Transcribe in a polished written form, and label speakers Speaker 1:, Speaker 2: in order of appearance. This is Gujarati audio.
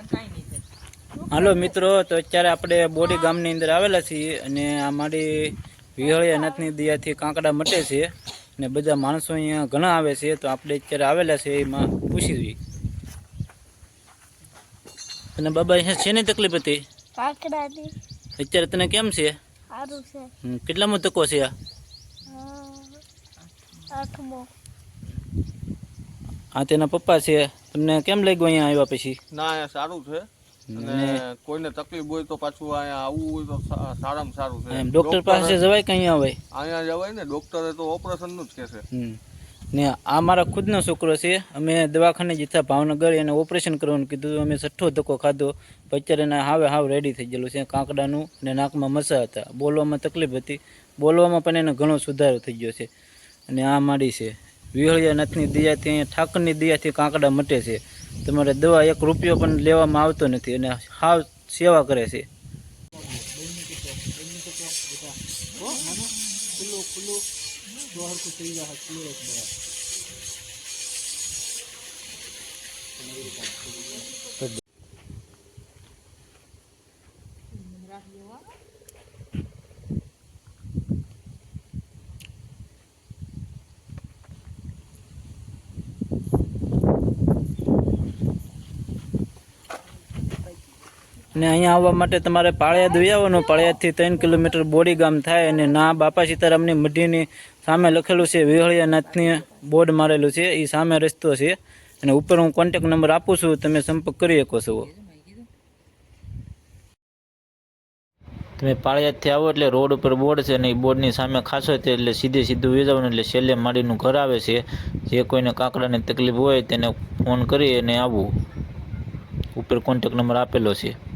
Speaker 1: હાલો મિત્રો, તો અત્યારે આપણે બોડી ગામની અંદર આવેલા છીએ અને આ મારી વિહળિયા નાથની દયાથી કાંકડા મટે છે અને બધા માણસો અહીંયા ઘણા આવે છે. તો આપણે અત્યારે આવેલા છે એમાં પૂછી જોઈએ. અને બાબા અહીંયા શેની તકલીફ હતી?
Speaker 2: કાકડાની.
Speaker 1: અત્યારે તને કેમ છે?
Speaker 2: સારું છે.
Speaker 1: કેટલામો તકો છે આ?
Speaker 2: 8મો.
Speaker 1: આ તેના પપ્પા છે. તમને કેમ લાગ્યું અહીંયા આવ્યા પછી?
Speaker 3: ના, અહીંયા સારું છે અને કોઈને તકલીફ હોય તો પાછું અહીંયા આવવું હોય તો સારામાં સારું છે.
Speaker 1: ડોક્ટર પાસે જવાય કે અહીંયા આવે?
Speaker 3: અહીંયા જવાય ને, ડોક્ટરે તો ઓપરેશનનું જ કહેશે.
Speaker 1: ને આ મારા ખુદનો છોકરો છે. અમે દવાખાને જીતા ભાવનગર, એને ઓપરેશન કરવાનું કીધું. અમે 6ઠ્ઠો ધક્કો ખાધો. અત્યારે એને હાવ રેડી થઈ ગયેલું છે. કાંકડાનું ને નાકમાં મસા હતા, બોલવામાં તકલીફ હતી, બોલવામાં પણ એને ઘણો સુધારો થઈ ગયો છે. અને આ માડી છે વિહળિયા નાથની દયાથી, અહીંયા ઠાકરની દયાથી કાંકડા મટે છે. તમારે દવા 1 રૂપિયો પણ લેવામાં આવતો નથી અને હાવ સેવા કરે છે. અને અહીંયા આવવા માટે તમારે પાળિયાદ વહી આવવાનું. પાળિયાદથી 3 કિલોમીટર બોડી ગામ થાય અને ના બાપા સીતારામની મઢીની સામે લખેલું છે વિહળિયા નાથની બોર્ડ મારેલું છે. એ સામે રસ્તો છે અને ઉપર હું કોન્ટેક નંબર આપું છું, તમે સંપર્ક કરી શકો છો. તમે પાળિયાદથી આવો એટલે રોડ ઉપર બોર્ડ છે અને એ બોર્ડની સામે ખાસો છે એટલે સીધું વહી જવાનું. એટલે છેલ્લે માડીનું ઘર આવે છે. જે કોઈને કાંકડાની તકલીફ હોય તેને ફોન કરી અને આવવું. ઉપર કોન્ટેક નંબર આપેલો છે.